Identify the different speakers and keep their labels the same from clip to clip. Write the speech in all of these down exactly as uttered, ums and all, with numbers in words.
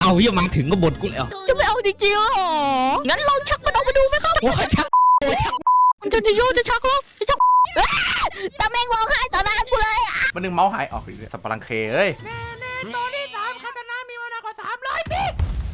Speaker 1: เอาอย่ามาถึงก็บ่นกูแล้ว
Speaker 2: จะไม่เอาจริงๆหรองั้นลองชักมันออกมาดูไหมครับ
Speaker 1: โอ้ชักโอ้ชัก
Speaker 2: มันจะจะโยนจะชักเหรอจะชักตาแมงร้องไห้ต่อหน้ากูเลย
Speaker 3: มันนึงเมาส์หายออกอีกสับปะรังเคเอ้ย
Speaker 2: ตอนที่สามคาตานามีเวลากว่าสามร้อยปี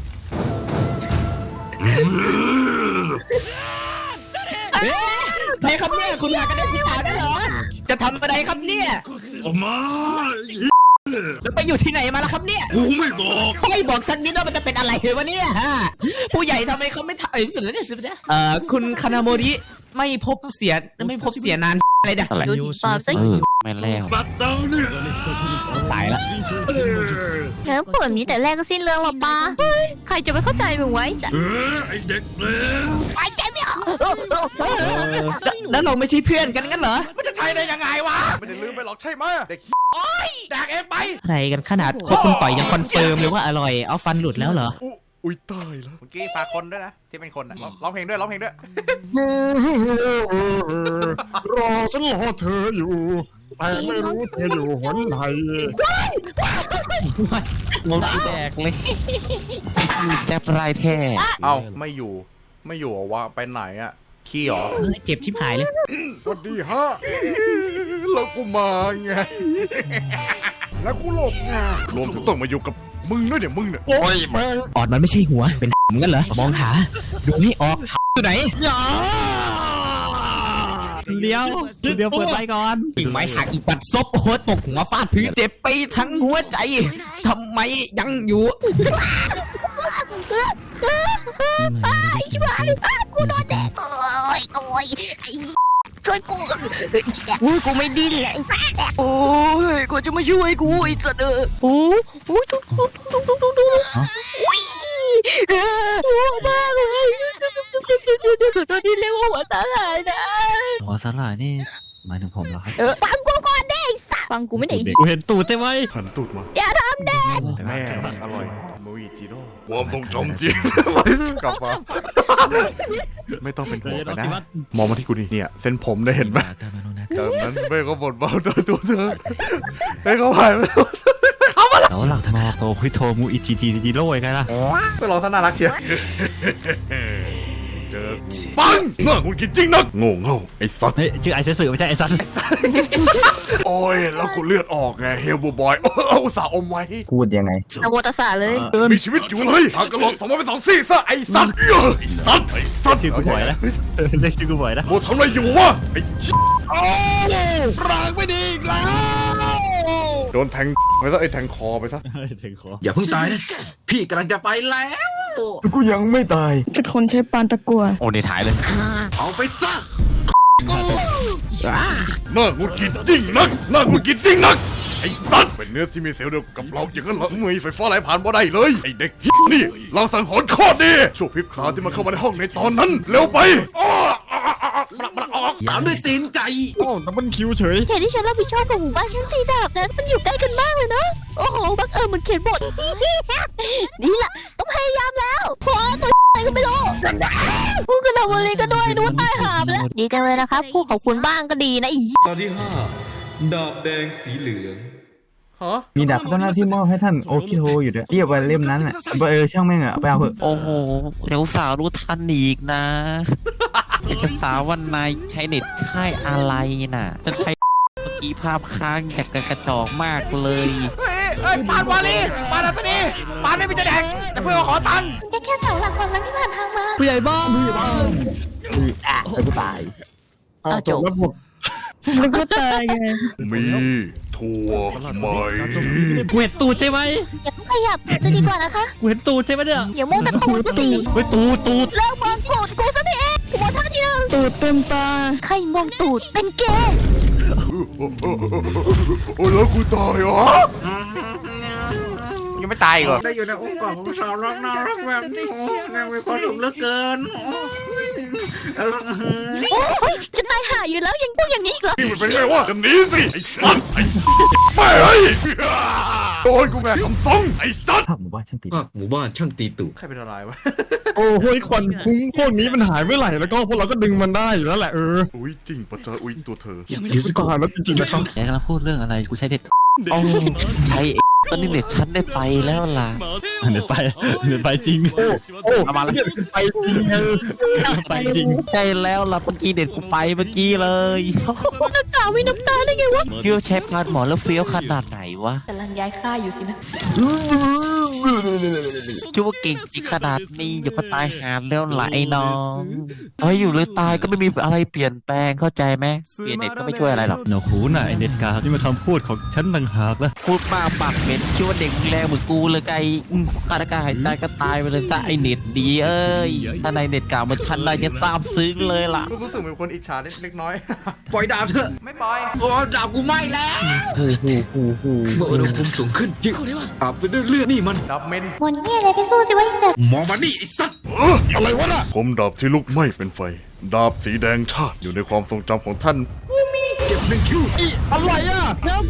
Speaker 1: ไหนครับเนี่ยคุณหากันได้สิถาได้เหรอจะทำอะไรครับเนี่ย
Speaker 4: ออกมา
Speaker 1: แล้วไปอยู่ที่ไหนมาแล้วครับเนี่ย
Speaker 4: กูไม่บอก
Speaker 1: ไม่บอกสักนิดว่ามันจะเป็นอะไรวะเนี่ยฮะผู้ใหญ่ทำไมเขาไม่ถ่ายเหมือนเนี่ยสิเนี่ยเอ่อคุณคานาโมริไม่พบเสียไม่พบเสียนานอะไรเนี่ย
Speaker 2: อะไรปากซะ
Speaker 1: ไม่แล้ว
Speaker 4: บัดเดาเนี่ย
Speaker 1: ตายละ
Speaker 2: งั้นผลนี้แต่แรกก็สิ้นเรื่องหรอป้าใครจะไม่เข้าใจมึงไว้จ้ะ
Speaker 4: เออไอเด็กเลว
Speaker 2: ไปใจไม่ออก
Speaker 1: แล้วเราไม่ใช่เพื่อนกันงั้นเหรอ
Speaker 3: มันจะใช่ได้ยังไงวะไม่ได้ลืมไปหรอกใช่ไหมเด็กโอ้ยแดกเองไป
Speaker 1: อะไรกันขนาดโคคุณต่อยยังคอนเฟิร์มเลยว่าอร่อยเอาฟันหลุดแล้วเหรอ
Speaker 3: อุ้ยตายแล้วเมื่อกี้ฝากคนด้วยนะที่เป็นคนนะร้องเพลงด้วยร้องเพลงด้วย
Speaker 4: รอฉันรอเธออยู่แต่ไม่รู้เธออยู่หนไหน
Speaker 1: งงแดกเลยมีแซบไรแท้
Speaker 3: เอ้าไม่อยู่ไม่อยู่วะไปไหนอะขี้หรอ
Speaker 1: เจ็บชิบหายเลย
Speaker 3: สวัสดีฮะแล้วกูมาไงแล้วกูหลบไงรวมถึงต้องมาอยู่กับมึงด้วยเดี๋ยวมึงเนี่ย
Speaker 4: โอ้ยแม่ง
Speaker 1: ออดมันไม่ใช่หัวเป็นงั้นเหรอมองหาดูให้ออกอยู่ไหนเดี๋ยวเดี๋ยวเปิดไฟก่อนกิ่งไม้หักอีกปัดซบโคตรตกหัวฟาดพื้นเจ็บไปทั้งหัวใจทำไมยังอยู่
Speaker 2: ไอ้ชิบหายกูโดนแดกโอ้ยโอ้ยช่วยกูโอ้ยกูไม่ดิ้นเลยโอ้ยกูจะมาช่วยกูไอ้สัตว์เออโอ้ยโอ้ยทุกทุกทุกทุกทุกทุกโอ้ยหัวมากเลยตอนนี้เรียกว่าหัวสาหร่ายนะ
Speaker 1: หัวสาหร่ายนี่หมายถึงผมเหรอครับ
Speaker 2: ฟังกูก่อนดิสัตว์ฟังกูไม่ได้
Speaker 1: กูเห็นตูดใช่ไหม
Speaker 3: หันตูดมา
Speaker 2: อย่าทำเด็ก
Speaker 3: แม่อร่อยมูอิจิโร่ความทรงจำจริงกลับมาไม่ต้องเป็นห่วงนะมองมาที่กูนี่เนี่ยเส้นผมได้เห็นไหมเออนั้นแม่ก็บ่นเบาตัวตัวเธอแม่ก็ผ่านไป
Speaker 1: แล้วหลังมาโตคุยโทมูอิจิจิจิโร่ยังไงล่ะ
Speaker 3: ไปลองท่าน่ารักเชียวเจอปังน่ากูกินจริงนักโง่เง่าไอ้สัตว์
Speaker 1: เฮ้ยชื่อไอ้เสือไม่ใช่ไอ้สัตว์
Speaker 3: โอ้ยแล้วกูเลือดออกไงเฮลบูบอยเอาสาวอมไว้
Speaker 1: พูดยังไง
Speaker 2: อวตารเลย
Speaker 3: มีชีวิตอยู่เลยทางกระโหลกสมองเป็นสองซี่ซะไอ้สัตว์ไอ้สัตว์ไอ้สัตว์
Speaker 1: ชื่อกูบ่อยนะเรียกชื่อกูบ่อยนะ
Speaker 3: โมทำอะไรอยู่วะไอ้โอ้ร่างไม่ดีอีกแล้วโดนแทงไปซะไอ้แทงคอไปซะ
Speaker 1: แทงคอ
Speaker 5: อย่าเพิ่งตายนะพี่กำลังจะไปแล้ว
Speaker 4: กูยังไม่ตาย
Speaker 2: กระทนใช้ปานตะกั่ว
Speaker 1: โอ้ในถ่ายเลย
Speaker 5: เอาไปซะ
Speaker 3: น่ากูกินจริงนักน่ากูกินจริงนักไอ้สัตว์เป็นเนื้อที่มีเซลล์เดียวกับเราอย่างนั้นเหรอมีไฟฟ้าไหลผ่านบ่ได้เลยไอ้เด็กนี่เราสังหรณ์โคตรดีช่วงพริบตาที่มันเข้ามาในห้องในตอนนั้นเร็วไป
Speaker 5: ตามด้วยตีนไก่
Speaker 4: โอ้แต่มันคิวเฉย
Speaker 2: เหตุที่ฉันรับผิดชอบกับหมู่บ้านฉันตีดาบนั้นมันอยู่ใกล้กันมากเลยเนาะโอ้โหบังเอิญมันเขียนบทนี่แหละต้องพยายามแล้วพอตัวอะไรก็ไม่รู้พูดกันเอาวันนี้ก็ด้วยนู้นตายหามแล้วดีจังเลยนะครับพูดขอบคุณบ้างก็ดีนะอี
Speaker 6: ตอนที่ห้าดาบแดงสีเหลือง
Speaker 7: มีดาบพัฒนาที่มอบให้ท่านโอคิโฮอยู่ด้วยเรียกว่าเล่มนั้นอ่ะเออช่างแม่งอ่ะไปเอาเถอะ
Speaker 1: โอ้โหเดี๋ยวสาวรู้ทันอีกนะเอกสารวันนายใช้เน็ตค่ายอะไรน่ะจะใช้เมื่อกี้ภาพค้างแบบกระจอกมากเลย
Speaker 3: เฮ้ยเฮ้ยปานวาลีปานอัศนีปานไม่มีจะแดกแต่เพื่อนขอตังค์
Speaker 2: แค่แค่เสาหลักความรักที่ผ่านทางมา
Speaker 7: ผู้ใหญ่บ้านผู้ใหญ่บ้านอ่ะกูตาย
Speaker 4: อ้าวจบแล้วหมด
Speaker 2: มันก็ตายไง
Speaker 3: มีถั่วไหม
Speaker 1: กูเห็นตูดใช่ไหม
Speaker 2: อย่าเพิ่งขยับจะดีกว่านะคะ
Speaker 1: กูเห็นตูดใช่ไหมเนี่ย
Speaker 2: อย่ามองแต่ตูดสิ
Speaker 1: เฮ้ยตูดตูด
Speaker 2: เลิกมองตูดกูซะทีกูมองท่าทีนึงตูดเต็มตาใครมองตูดเป็นเกย์
Speaker 3: โอ้แล้วกูตายเหรอยังไม่ตายเหรอ
Speaker 5: ได้อยู่ในองค์กรของสาวรักน่ารักแบบนี้น่ามีความสุขเหลือเกิน
Speaker 2: โอ้ยจะตายห่าอยู่แล้วยังพูดอย่างนี้อีกเหรอ
Speaker 3: นี่มันเป็นไงวะกันนี้สิไอ้สัตว์ไอ้แม่เฮ้ยโดนกูแม่คำฟ้องไอ้สัตว์
Speaker 7: หมู่บ้านช่างตี
Speaker 5: หมู่บ้านช่างตีตู่
Speaker 3: ใครเป็นอะไรวะ
Speaker 4: โอ้โหควันคุ้งพวกนี้มันหายเมื่อไหร่แล้วก็พวกเราก็ดึงมันได้อยู่แล้วแหละเออ
Speaker 3: อุ้ยจริงปะเจออุ้ยตัวเธอ
Speaker 4: คิดก่อนแล้วจริงๆนะครับ
Speaker 1: แกกำลังพูดเรื่องอะไรกูใช้เด็ดใช้ตอนนี้เน็ตฉันได้ไปแล้วล่ะ
Speaker 8: เดี๋ยวไปเดี๋ยวไปจริง
Speaker 4: โอ้
Speaker 1: เอามาแล้ว
Speaker 4: เนี่ยไปจริงไง
Speaker 8: ไปจริง
Speaker 1: ใช่แล้วล่ะเมื่อกี้เด็ดกูไปเมื่อกี้เลย
Speaker 2: นักข่าวไม่น้ำตาได้ไงวะ
Speaker 1: เฟี้ยวใช้พานหมอแล้วเฟี้ยวขนาดไหนวะ
Speaker 2: กำลังย้ายค่ายอยู่สินะ
Speaker 1: คิดว่าเก่งจริงขนาดนี้อยู่ก็ตายหาแล้วล่ะไอ้น้องตายอยู่หรือตายก็ไม่มีอะไรเปลี่ยนแปลงเข้าใจไหมเปลี่ยนเน็ตก็ไม่ช่วยอะไรหรอก
Speaker 8: หนวกหูน่ะไอเน็ตกาที่มาคำพูดของฉันต่างหากละ
Speaker 1: พูดมากปากเหม็นคิดว่าเด็กแรงเหมือนกูเลยไงอืมขาดอากาศหายใจก็ตายไปเลยซะไอเน็ตดีเอ้ยถ้าในเน็ตเก่ามันชันได้จะซาบซึ้งเลยล่ะ
Speaker 3: รู้สึกเหมือนคนอิจฉาเล็กน้อย
Speaker 5: ปล่อยดาบเถอะ
Speaker 3: ไม่ปล่อย
Speaker 5: โอ้ดาบกูไหม้แล้วเมื่ออุณหภูมิสูงขึ้นยิ่งอาบไปด้วยเลือดนี่มัน
Speaker 3: ดับเมน
Speaker 2: บนเฮียอะไรไปสู้สิวะไอ้สัตว์
Speaker 5: มองมานี่ไอ้สัตว์
Speaker 4: อะไรวะน่ะ
Speaker 3: ผมดาบที่ลุกไหม้เป็นไฟ ดาบสีแดงชาติอยู่ในความทรงจำของท่าน
Speaker 5: เก็บหนึ่งคิว
Speaker 4: อะไรอ่ะ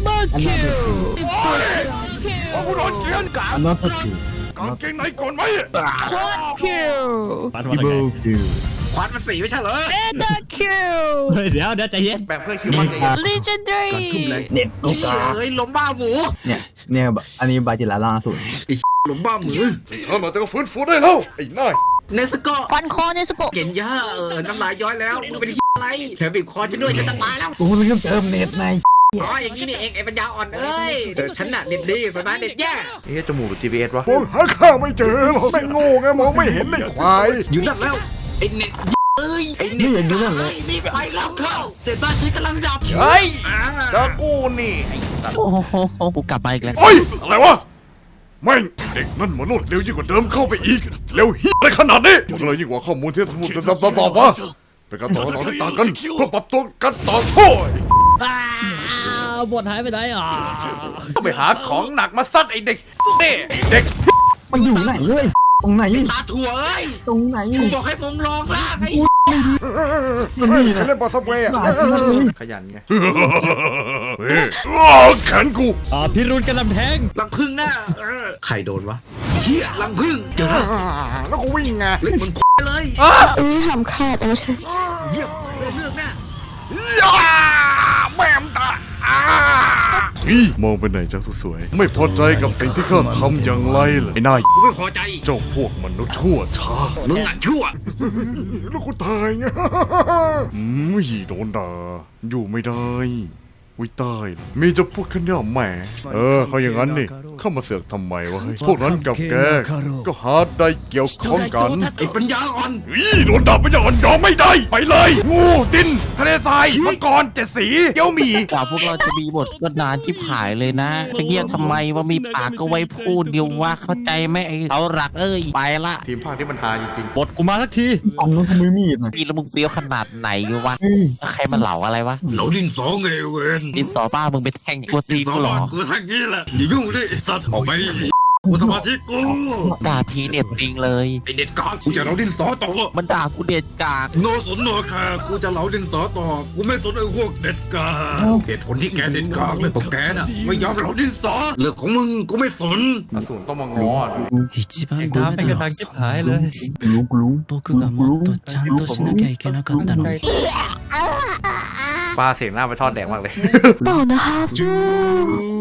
Speaker 3: เอาผู้โดนเกียนกาง
Speaker 7: อันนั้นก็คือ
Speaker 3: กางเกงไหนก่อนไหม
Speaker 2: คิว
Speaker 8: ปัด
Speaker 7: อี
Speaker 8: ว่า
Speaker 7: โบ
Speaker 8: ไง
Speaker 7: คิว
Speaker 5: ควันมันสีไม่ใช่เหรอ
Speaker 2: เอเดอร์คิว
Speaker 8: เฮ้ยเดี๋ยวเดี๋ยวใจเย็น
Speaker 3: แบ่งเพื่อนคิวมันสิ
Speaker 2: legendary
Speaker 5: การทุ่มแรง
Speaker 7: เน็ตโลกา
Speaker 5: เฮ้ยล้มบ้าหมู
Speaker 7: เนี่ยเนี่ยอันนี้บาจิลาล่าสุด
Speaker 5: ล้มบ้าหมู
Speaker 3: เธอมาจะก็ฟื้นฟูได้แล้ว ไอ้นาย
Speaker 5: เนสโก
Speaker 2: ฟันคอเนสโกะ
Speaker 5: เก่งย่าเออน้ำลายย้อยแล้วมึงเป็นอะไรแถมบีบคอฉันด้วยฉันจะตายแล้ว
Speaker 7: กูเริ่มเติมเน็ตใน
Speaker 5: อ๋ออย่างนี้นี่เองไอ้ปัญญาอ่อนเอ้ยเออฉันน่ะเน็ตดีสบายเน็ตแย่
Speaker 3: เอ๊ะจมูกหรือ จี พี เอส วะ
Speaker 4: มองหาข้าไม่เจอหรอกไม่โง่ไงมองไม่เห็นไอ้ควาย
Speaker 5: อยู่นั่นแล้วไอ้เน็ตเอ้ยไอ้เน็
Speaker 7: นี่
Speaker 5: ต
Speaker 7: อย่างนี้นั่นเลย
Speaker 5: นี่ไปแล้วเข้าแต่บ้านฉันกำลังดับ
Speaker 3: เฮ้ย
Speaker 5: อ่า
Speaker 3: เจอกูนี่ไอ้สัตว์
Speaker 1: โอ้โหกูกลับมาอีกแล้ว
Speaker 3: โอ้ย อะไรวะ แม่งเด็กนั่นมันรวดเร็วยิ่งกว่าเดิมเข้าไปอีก เร็วเฮียอะไรขนาดนี้มันเลยยิ่งกว่าข้อมูลที่ทั้งหมดจะตอบตอบว่าเป็นการต่อต่อที่ต่างกันเพื่อปรับตัวกันต่อสู้
Speaker 8: บทหายไปไหนอ่ะ
Speaker 3: ต้องไปหาของหนักมาซัดไอ้เด็กนี่เด็ก
Speaker 7: มันอยู่ไหนเว้ยตรงไหน
Speaker 5: ตาถั่วเอ้ย
Speaker 7: ตรงไหน
Speaker 5: กูบอกให้มึงลองล่างไอ้
Speaker 7: มันนี่นะ
Speaker 4: เล่นบอลซับเวย์อ่ะ
Speaker 3: ขยันไงเฮ้ยอ้าแขนกู
Speaker 8: อ่าพิรุณกำลังแทง
Speaker 5: ลังพึ่งหน้าเออใครโดนวะเฮียลังพึ่งเจอ
Speaker 4: แล้วก็วิ่งไง
Speaker 5: เล่นมันเลย
Speaker 2: เออทำขาดเอาใช่
Speaker 5: เยี่ยมเรื่องหน้า
Speaker 3: ย่าแม่มตาอ่านี่มองไปไหนจ้าสวยๆไม่พอใจกับสิ่งที่ข้าทำอย่างไรเหรอไอ้นาย
Speaker 5: กูไม่พอใจ
Speaker 3: เจ้าพวกมนุษย์ชั่วช้า
Speaker 5: มึงอ่ะชั่ว
Speaker 4: แล้วกูตายไง
Speaker 3: อืมโดนด่าอยู่ไม่ได้วิตายมีจะพูดแค่เนี้ยแหมเออเขาอย่างนั้นนี่เข้ามาเสือกทำไมวะเฮ้ยพวกนั้นกับแกก็หาได้เกี่ยวข้องกัน
Speaker 5: ไอ้ปัญญาอ่อน
Speaker 3: อีโดนด่าไม่ยอมยอมไม่ได้ไปเลยงูดินทะเลทรายมังกรเจ็ดสีเกี้ยวหมี่
Speaker 1: กว่าพวกเราจะมีบทก็นานชิบหายเลยนะ จะเงียบทำไมว่ามีปากก็ไว้พูดเดียวว่าเข้าใจไหมไอ้เอาหลักเอ้ยไปละ
Speaker 3: ทีมภาคที่มันหาจริง
Speaker 8: บทกูมาสักที
Speaker 7: อันนู้นทำไมมีดนะ
Speaker 1: ปีแล้วมึงเฟี้ยวขนาดไหนวะใครมาเหล่าอะไรวะ
Speaker 5: เหลาดินสองไงเว้ย
Speaker 1: ดินสอป้ามึงไปแท่งกูตีกูเหรอ
Speaker 5: กูทั้งนี้แหละอย่ายุ่งดิไอ้สัตว์ออกไปกูสมาธิกู
Speaker 1: ด่าทีเด็ดจริงเลย
Speaker 5: ไอเด็ดกากกูจะเหลาดินสอต่อ
Speaker 1: มันด่ากูเด็ดกาก
Speaker 5: โนสนโนคากูจะเหลาดินสอต่อกูไม่สนไอ้พวกเด็ดกากเหตุผลที่แกเด็ดกากเลยเพราะแกน่ะไม่ยอมเหลาดินสอเรื่องของมึงกูไม่สน
Speaker 3: ๆอสูรต้องมาง้ออ่ะ
Speaker 9: 一番
Speaker 8: ตาม
Speaker 9: ダ
Speaker 8: ไป
Speaker 9: メ
Speaker 8: กระ
Speaker 9: だ
Speaker 8: ทาง
Speaker 9: ろ
Speaker 8: ชิบหายเลย
Speaker 7: รู้กูรู้
Speaker 9: 僕がもっとちゃんとしなきゃいけなかったのに
Speaker 3: ปลาเสียงหน้าไปทอดแดงมากเลย
Speaker 2: ต่อนะคะ